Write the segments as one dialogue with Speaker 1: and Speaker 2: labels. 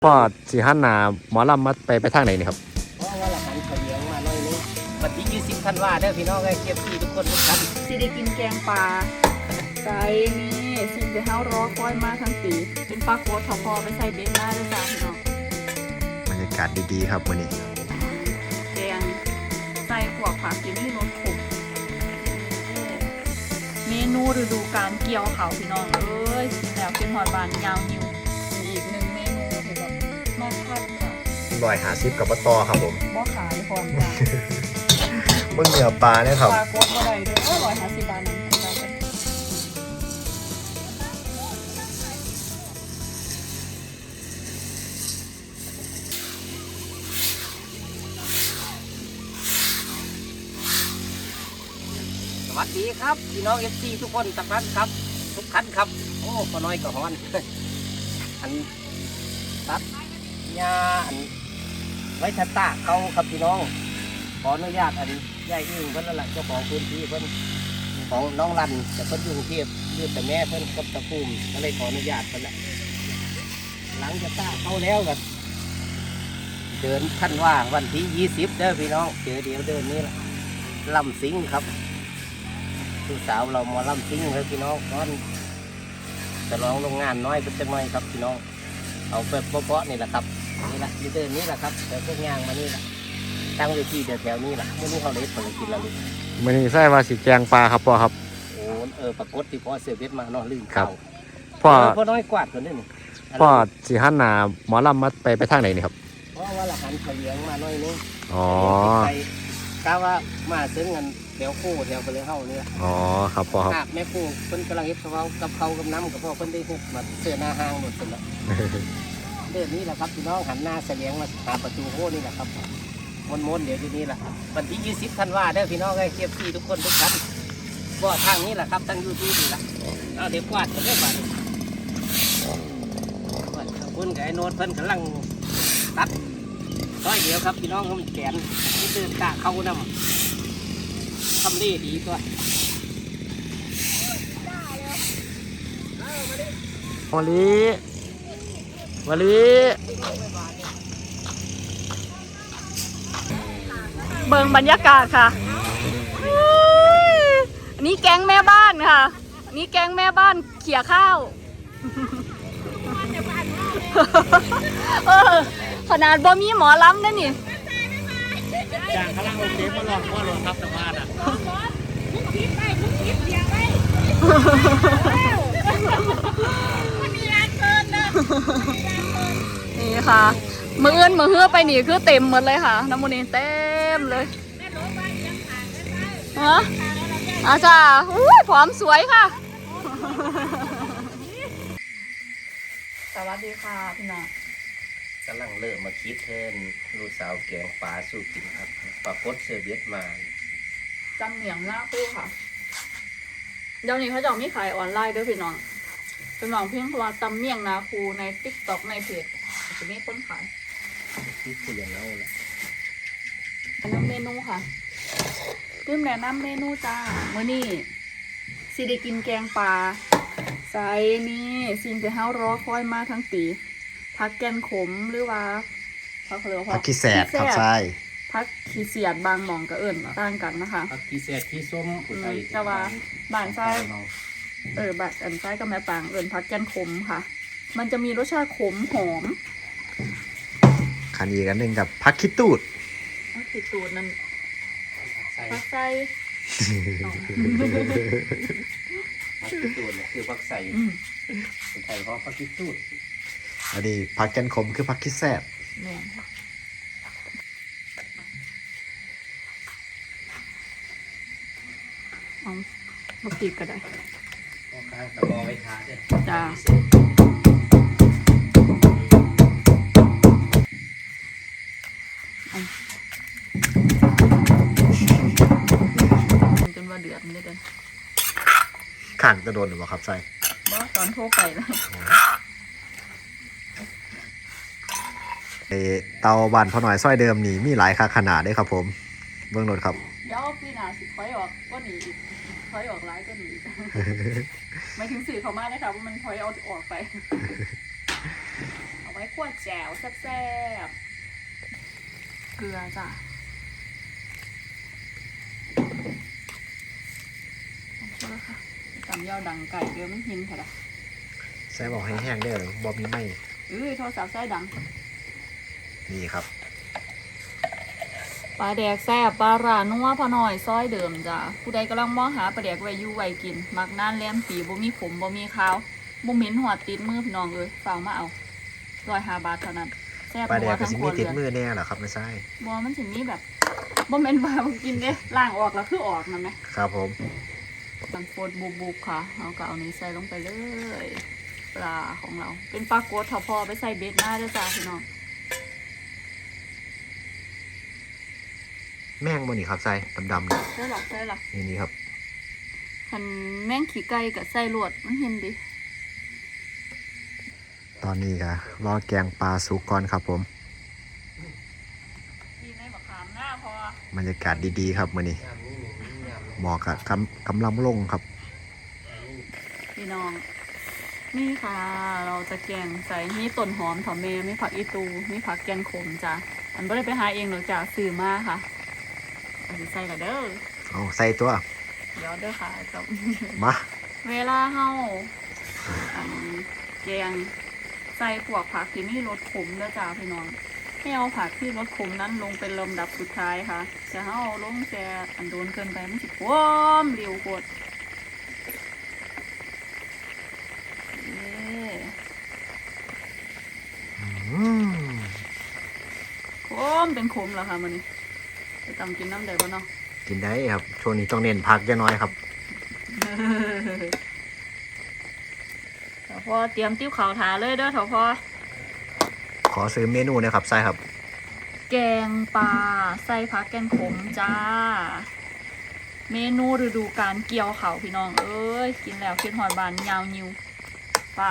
Speaker 1: พ่อสีหันหนาหมอลำมาไปทางไหนนี่ครับ
Speaker 2: เพราะว่าละหันเฉลียงมาหน่อยนึงวันที่20 ธันวาคมเด้อพี่น้องไอ้เก็บที่ทุกคนทุกท่าน
Speaker 3: สิได้กินแกงปลาใส่นี่สิ่งที่เฮารอคอยมาทั้งปีเป็นปลาโคตรพอไปใส่เบนได้ด้วยจ้าพี่น้อง
Speaker 1: บรรยากาศดีๆครับวันนี้
Speaker 3: แกงใส่ขวบผักกินให้รสขมเมนูฤดูกาลเกี่ยวเขาพี่น้องเอ้ยแล้วกินหอดบานยาวนิวอีกหนึ่งเมนูที่แบบมาคัดค่ะ
Speaker 1: 150กับปลาตอครับผม
Speaker 3: บ่ขายพร้อมจ้า
Speaker 1: มึงเหนือปลาเนี่ยครับ
Speaker 3: ปลาโคตรบ่ได้เด้อ150 บาทนึงเราไป
Speaker 2: สวัสดีครับพี่น้อง FC ทุกคนทุกท่านครับทุกท่านครับโอ้พอน้อยก็ฮ้อนอันตัดหญ้าอันไว้ทันตาเขาครับพี่น้องขออนุญาตอันยายอึ้งเพิ่นนั่นแหละเจ้าของพื้นที่เพิ่นของน้องรันแต่เพิ่นอยู่กรุงเทพอยู่แต่แม่เพิ่นกับตะภูมิก็เลยขออนุญาตเพิ่นแหละหลังจากตาเขาแล้วกันเดินขั้นว่าวันที่20เด้อพี่น้องเจอเดี๋ยวเดินนี้แหละลำสิงครับลูกสาวเรามาลำสิงเลยพี่น้องตอนจะลองโรงงานน้อยเป็นจังน้อยครับพี่น้องเอาแบบเปาะๆนี่แหละครับนี่แหละยืนเดินนี้แหละครับแต่พวกย่างมานี่แหละตั้งเวทีเดี๋ยวแถวนี้แหละเมื่อนี้เขาเล็ดผลกินแล้วลูก
Speaker 1: วันนี้ใส่ว่าสีแกงปลาครับพ่อครับ
Speaker 2: โอ้ปรากฏที่พ่อเสือเบ็ดมาเนาะลืมเก่าพ่อน้อยกวาดตัวนี้นี่
Speaker 1: พ่อสีหันหนาหมอลำมาไปทางไหนนี่ครับ
Speaker 2: เพราะว่าละหันเฉลียงมาหน่อยนึง
Speaker 1: อ๋
Speaker 2: อกะว่ามาซื้อเงินแถวคู่แถวไปเลยเฮาเนี่ย
Speaker 1: อ๋อครับพ่อครับ
Speaker 2: แม่คู่เพิ่นกำลังเฮ็ดเขากับเขากับน้ำกับพ่อเพิ่นได้ฮุกมาเสื้อหน้าห้างหมดเลย เดือนนี้แหละครับพี่น้องหันหน้าเฉลียงมาหาประตูโค้นี่แหละครับม้วนๆเดี๋ยวทีนี้แหละวันที่20 ธันวาคมเด้อพี่น้องไอ้เก็บที่ทุกคนทุกท่านบ่ทางนี้แหละครับทาง YouTube นี่แหละเอาเดี๋ยวกวาดกันได้บ่ขอบคุณกับไอ้โน้ตเพิ่นกำลังตัดร้อยเดียวครับพี่น้องเขาแขนที่เดินกะเข้านำทำดีดีตัว
Speaker 1: วลี
Speaker 3: เบิ่งบรรยากาศค่ะอันนี้แก๊งแม่บ้านค่ะอันนี้แก๊งแม่บ้านเขี่ยข้าวขนาดบ่มีหมอลำนั่นนี่
Speaker 2: จางพลังโอเคมาลองว่าลงทับสมาร์ทอ่ะ
Speaker 3: นี่ค่ะมือเอื้อนมือเฮือไปนี่คือเต็มหมดเลยค่ะน้ำมันนี่เต็มเลยฮะอาจารย์ผอมสวยค่ะสวัสดีค่ะพี่น้อง
Speaker 2: กำลังเริ่มมาคิดเทินลูกสาวแกงปลาสู่กินครับปลากดเสือเบ็ดมา
Speaker 3: จำเหนียงหน้าคู่ค่ะเดี๋ยวนี้เขาจะมีขายออนไลน์ด้วยพี่น้องเป็นหวังเพียงเพราะว่าตำเมี่ยงนาคูใน TikTok ในเพจจะมีคนขาย
Speaker 2: คิดคุยอย่างเราแหละ
Speaker 3: แนะนำเมนูค่ะลืมแนะนำเมนูจ้ามื้อนี้สิได้กินแกงปลาใส่นี่สิ่งที่เฮารอคอยมาทั้งปีผักแกนขมหรือว่า
Speaker 1: ผักขี้แสดครับใช่
Speaker 3: ผักขี้เสียดบางหม่องก็เอิ่นต่างกันนะคะ
Speaker 2: ผักขี้แสดขี้ส้ม
Speaker 3: แต่ว่าบ้านไส้บ้านอันไส้กับแม่ปางเอิ่นผักแกนขมค่ะมันจะมีรสชาติขมหอม
Speaker 1: คันอีกอันหนึ่งกับผักขี้ตูด
Speaker 3: ผักขี้ตูดนั่นผักไส้
Speaker 2: ผักขี้ตูดคือผักใส่ไทยเพราะผักขี้ตูด
Speaker 1: อันนี้ผักแกนขมคือผักขี้แสบ
Speaker 3: เอาลูกตีก็ได้
Speaker 2: ตะบอไว้ทาด้วย
Speaker 3: จ้าจนว่าเดือดเลยเดิน
Speaker 1: ข้างจะโดนหรือเปล่าครับใช่
Speaker 3: บ่ตอนโทรไปเลย
Speaker 1: เตาบ้านพ่อหน่อยซอยเดิมนี่มีหลายขนาดได้ครับผมเบื้องโน้ตครับ
Speaker 3: เดี๋ยวพี่นาสิถอยออกก็หนีอีกถอยออกร้ายก็หนีไม่ถึงสื่อเขามากนะคะว่ามันถอยเอาออกไปเอาไว้ขวดแจ่วแซ่บๆเกลือจ้ะช่วยค่ะตำยอดังไก่เดี๋ยวมันหินค่ะ
Speaker 1: ใส่บอกให้แห้งเด้อบอมีไหม
Speaker 3: โทรศัพท์ใส่ดัง
Speaker 1: นี่ครับ
Speaker 3: ปลาแดกแซ่บปลาร้านัวพอหน่อยซอยเดิมจ้ะผู้ใดกำลังมองหาปลาแดกไว้อยู่ไว้กิน มักน่านแลมปีบ่มีขมบ่มีขาวบ่เหม็นหัวติดมือพี่น้องเลยฝากมาเอา105 บาทเท่านั้นแซ่บ
Speaker 1: ปลาแดกก็
Speaker 3: ทั้ง
Speaker 1: สิ
Speaker 3: ค
Speaker 1: มี
Speaker 3: น
Speaker 1: ติด
Speaker 3: เลย
Speaker 1: มือแน่เหรอครับไม่ใช่
Speaker 3: บ่มันสิมีแบบบ่แม่นว่าบ่กินเด้ล้างออกแล้วคือออกนั่นไหม
Speaker 1: ครับผม
Speaker 3: มันโฟดบุบๆค่ะเอาก็เอานี้ใส่ลงไปเลยปลาของเราเป็นปลาโกดทอพอไปใส่เบ็ดหน้าด้วยจ้าพี่น้อง
Speaker 1: แม่งบนนี่ครับใส่ดำๆนี่
Speaker 3: ใช่หรอใช่หรอ
Speaker 1: นี่ครับ
Speaker 3: คันแม่งขี้ไก่กับใส่ลวดมันเห็นดิ
Speaker 1: ตอนนี้ก็รอแกงปลาสุกก่อนครับผม
Speaker 3: มีในมะขามหน้าพอบ
Speaker 1: รรยากาศดีๆครับมื้อนี้หมอกกับกำลังลงครับ
Speaker 3: พี่น้องนี่ค่ะ เราจะแกงใส่มีต้นหอมถอมเมมีผักอีตูมีผักแกงขมจ้ะมันไม่ได้ไปหาเองหรอกจ้ะซื้อมาค่ะอันนี้ใส่ละเด้อ
Speaker 1: เอาใส่ตัว
Speaker 3: เดี๋ยวเด้อค่ะกับ
Speaker 1: มา
Speaker 3: เวลาเฮาอันแกงใส่พวกผักที่มีรสขมแล้วจ้าพี่น้องให้เอาผักที่รสขมนั้นลงเป็นลำดับสุดท้ายค่ะจะเฮาเอาลงแช่อันโดนเกินไปมันสิขมเร็วโคตร
Speaker 1: อืม
Speaker 3: ขมเป็นขมแล้วค่ะมันนี้จะตำกินน้ำได้บ่เนาะ
Speaker 1: กินได้ครับช่วงนี้ต้องเน้นพักจะน้อยครับ
Speaker 3: เถาพอเตรียมติ้วขาวถาเลยเด้อเถาพอ
Speaker 1: ขอซื้อเมนูหนะครับใส่ครับ
Speaker 3: แกงปลาใส่ผักแกงขมจ้า เมนูฤดูกาลเกี่ยวเขาวพี่น้องเอ้ยกินแล้วคิดหอดบานยาวนิวไป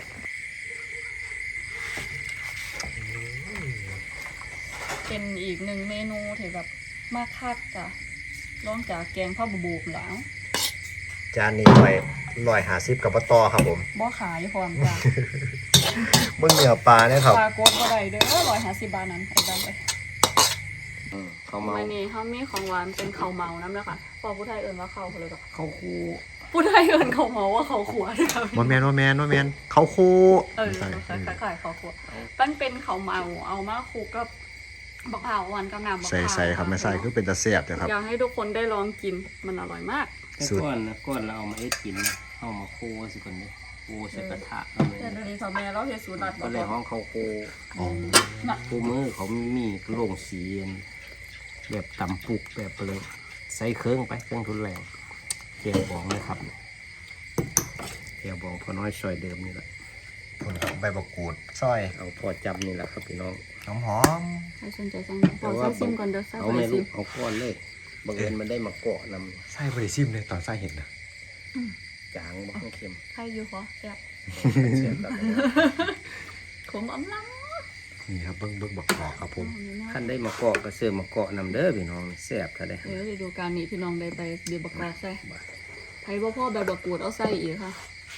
Speaker 3: เป็นอีกหนึ่งเมนูที่แบบมากคักจ้ะลองจากแกงข้าวบูบแล้ว
Speaker 1: จานนี้150กับปะตอครับผม
Speaker 3: บ่ขายพร้อมจ้ะ
Speaker 1: เบิ่งเนื้อปลาเนี่ยครับ
Speaker 3: ปลาโกดบ่ได้เด้อ150 บาทนั้นไอ้ดำไป
Speaker 2: เขาเมา
Speaker 3: วันนี้เขามีของหวานเป็นข้าวเมาน้ำเลยค่ะพอผู้ไทยเอิ้นว่าข้าวเขาเลยก็
Speaker 2: เขาคู
Speaker 3: ผู้ไทยเอิ้นข้าวเมาว่าข้าวขัวด้วยค่ะ
Speaker 1: ว่าแมนเขาคู่
Speaker 3: ขายข้าวขัวมันเป็นข้าวเมาเอามาคลุกกับบักเผาวหวานกับน้ำบัก
Speaker 1: ใส่
Speaker 3: เผาว
Speaker 1: ใส่ครับไม่ใส่คือเป็นตะเสียบนะครับ
Speaker 3: อยากให้ทุกคนได้ลองกินมันอร่อยมาก
Speaker 2: แต่
Speaker 1: สุด
Speaker 2: ก้อนเราเอามาเอ็ดกินนะเอามาโคสิคนนี้โคใส่กระทะเอาเลย
Speaker 3: แต่ดีทำแม่เราเฮ็ดสูตรลัด
Speaker 2: ก็เลยห้องเขาโค
Speaker 1: อ๋อ
Speaker 3: น่ะ
Speaker 2: โคมือเขามีโล่งสีแบบตำปุกแบบเลยใส่เครื่องไปเครื่องทุนแรงเกี๊ยวบองนะครับเกี๊ยวบองพอน้อยซอยเดิมนี่แหละ
Speaker 1: คนครับใบบักกูดซอย
Speaker 2: เอาพอจับนี่แหละครับพี่น้อง
Speaker 1: หอม
Speaker 3: ใครสนใจสั่งขอใส่ซิมก่อนเด้อใส่
Speaker 2: เอา
Speaker 3: ไป
Speaker 2: ไม่
Speaker 3: ซิ
Speaker 2: รู้
Speaker 3: ม
Speaker 2: เอาก้อนเลยบังเอิญมันได้มาเกาะน
Speaker 1: ใส่บริซิมเลยตอนใส่เห็นนะ
Speaker 2: ำจางบ้างเค็ม
Speaker 3: ใครอยู่พอแซ่บ
Speaker 2: เสียบแบบ
Speaker 3: ขมอำล้
Speaker 1: นี่ครับเบิ้งบักกอกครับผม
Speaker 3: ำ
Speaker 2: ขั้นได้มาเกาะก็เสือมาเกาะนำเด้อพี่น้องแซ่บถ้าได้
Speaker 3: ฤดูกาลนี้พี่น้องได้ไปเดี๋ยวบักกอกใส่ไผบ่พ่อแบบบักกูดเอาใส่อีกค่ะ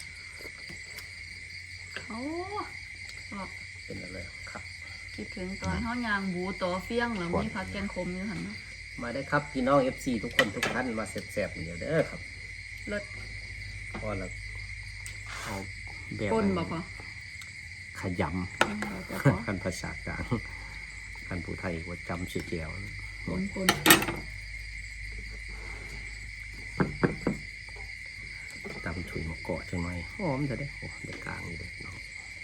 Speaker 3: โอ้
Speaker 2: เป็นอะไรครับ
Speaker 3: คิดถึงตอนเฮายางบูต่อเฟี้ยงแล้วมีผักแกงขมอยู่หั่นเนาะ
Speaker 2: มาได้ครับพี่น้อง FC ทุกคนทุกท่านมาแซ่บๆเดี๋ยวเด้อครับ
Speaker 3: เลิศ
Speaker 2: พอแล้วเอาแบบ
Speaker 3: ป่นบ่พอ
Speaker 2: ขย
Speaker 3: แต่พอ
Speaker 2: ำ คันภาษากลางคันผู้ไทยว่าจำชื่อแก้ว
Speaker 3: ป่น
Speaker 2: จำถุยมาเกาะจังไหมหอมจะได้โอ้ได้กลางนี่เลยน้อง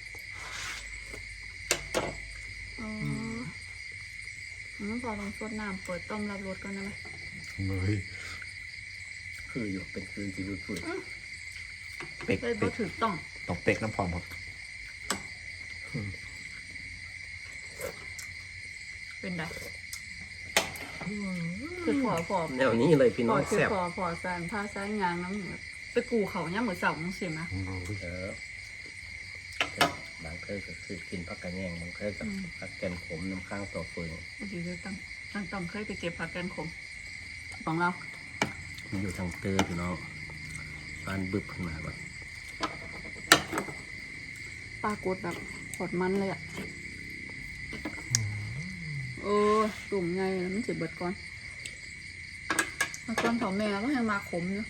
Speaker 3: อ๋อพอลองสดน้ำเปิดต้มรับรสก่อนได้ไหม
Speaker 1: เฮ้ย
Speaker 2: คืออยู่เป็นคือจีบุฟุย
Speaker 1: เป็ก
Speaker 3: เลย
Speaker 1: เป็
Speaker 3: บ่
Speaker 1: ก
Speaker 3: ถูกต้อง
Speaker 1: ต้องเป็กน้ำพร้อมครับ
Speaker 3: เป็นไดคือพอ
Speaker 2: แนวนี้เลยพี่น้อง
Speaker 3: คือ
Speaker 2: แซ่บ
Speaker 3: พอสานผ้าซ้ายยางน้ำเหมือนไปกูเขาเนี่ยเหมือนเสาจังซี่นะ
Speaker 2: บางเคยก็คือกินผักกระแยงบางเคยก็ผักแกนขมน้ำข้างต่อฟืน
Speaker 3: บางทีก็ต้องเคยไปเก็บผักแกนขมของเรา
Speaker 2: อยู่ทางเตอร์พี่น้องปานบึบขึ้นมาแบบ
Speaker 3: ปลากดแบบปวดมันเลยอ่ะเออตุ่มไงมันเจ็บเบิดก่อนมาก่อนเถาแม่ก็ยังมาขมอยู่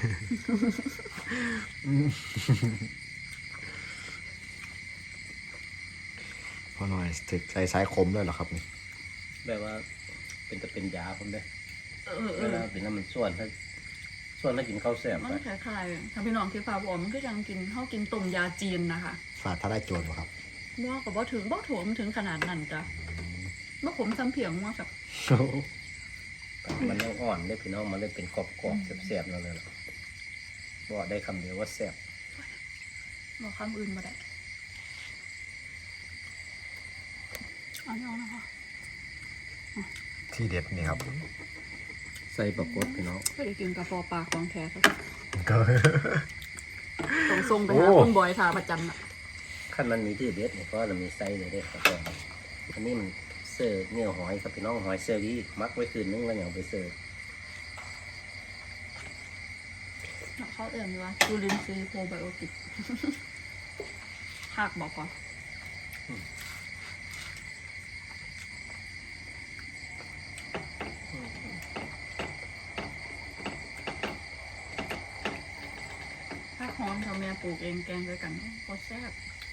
Speaker 1: พอหน่อยถึกใจสายคมด้วยเหรอครับนี่
Speaker 2: แบบว่าเป็นจะเป็นยาผมเลย
Speaker 3: เออ
Speaker 2: เวลาเป็นน้ำมันส่วนถ้ากินข้าวแซ่บ
Speaker 3: มั
Speaker 2: ไป
Speaker 3: นคล้ายๆถ้าพี่น้องคิดภาพออกมันก็ยังกินข้าวกินต้มยาจีนนะคะ
Speaker 1: ฝาดถ้าได้โจรบ่ครับ
Speaker 3: ว่ากับว่าถึงบ่ถั่วมันถึงขนาดนั้นจ้ะเมื่อผมซ้ำเพียงว่าแบบ
Speaker 2: มันยังอ่อนได้พี่น้องมันเลยเป็นกรอบๆแซ่บๆนั่นเลยล่ะบอกได้คำเดียวว่าแซ่บ
Speaker 3: บอกคำอื่นมาได้เอาไม่เอานะคะ
Speaker 1: ที่เด็ดนี่ครับ
Speaker 2: ใส่ประกดพี่น้อง
Speaker 3: ก็จะกินกาแฟปลาของแท้ครับ
Speaker 1: ก็
Speaker 3: ส่งทรงไปหา
Speaker 1: โอ้
Speaker 3: คุณบอยทาประจำอ่ะ
Speaker 2: ขั้นมันมีที่เด็ดเนี่ยเพราะเรามีไส้เลยเด้ครับผมอันนี้มันเสิร์ฟเนื้อหอยครับพี่น้องหอยเซอรี่มักไว้คืนนึงแล้วอย่างไปเสิร์ฟ
Speaker 3: เขาเอ่ยว่าจูลินซีย์โปรไบโอติก ภาคบอกก่อนภาคหอมทำแม่ปลูกเองแกงด้วยกันโคตรแซ่บ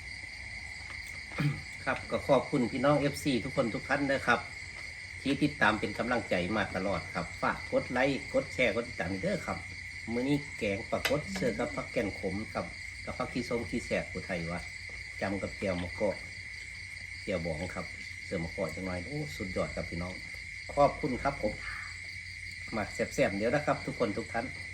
Speaker 2: ครับก็ขอบคุณพี่น้อง FC ทุกคนทุกท่านนะครับ ที่ติดตามเป็นกำลังใจมาตลอดครับฝากกดไลค์กดแชร์กดติดตามเด้อครับมื้อนี้แกงปลากดเสื้อกับผักแกนขมกับผักขี้ส้มขี้แสบผู้ไทยวะจำกับเจียวมะกอกเจียวบองครับเสือมะกอกจังหน่อยโอ้สุดยอดครับพี่น้องขอบคุณครับผมมาแซ่บๆเดี๋ยวนะครับ ทุกคนทุกท่าน